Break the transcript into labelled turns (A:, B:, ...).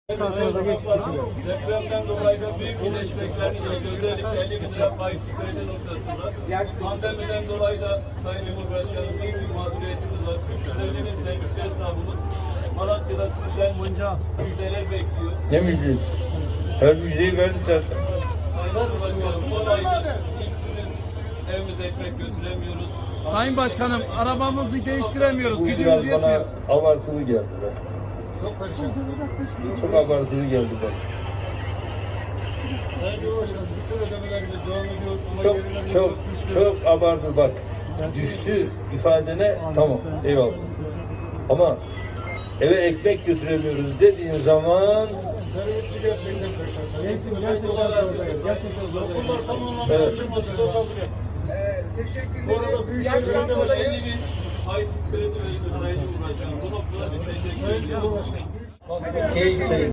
A: Depremden dolayı da büyük iyileşmeklerini gördük. Özellikle 50 bıçak faizsiz kredi noktasında. Pandemiden dolayı da Sayın Cumhurbaşkanım büyük bir mağduriyetimiz var. 350 bin sevgili esnafımız Malatya'da sizden müjdeler bekliyor.
B: Ne müjdesi? Her müjdeyi verdik zaten.
A: Sayın Cumhurbaşkanım son ayda işsiziz, evimize ekmek götüremiyoruz.
C: Sayın Başkanım, arabamızı değiştiremiyoruz.
B: Bu
C: Gücümüz
B: biraz
C: yetmiyor.
B: bana abartılı geldi be. Çok abartılı geldi bana.
D: Sayın Cumhurbaşkanım, bütün ödemelerimiz devam ediyor ama gerilerimiz
B: Çok abartı bak. Düştü ifadene tamam eyvallah. Ama eve ekmek götüremiyoruz dediğin zaman
D: servisçi gerçekten perişan.
C: Gerçekten zor.
D: Okullar tam anlamda
B: Evet.
D: açılmadı. Bu arada Büyükşehir'de de
A: 50 bin faizsiz kredi verildi Sayın Cumhurbaşkanım. Bu noktada biz teşekkür
D: Sayın
A: ediyoruz.
D: Cumhurbaşkanım.
B: keyif çayı.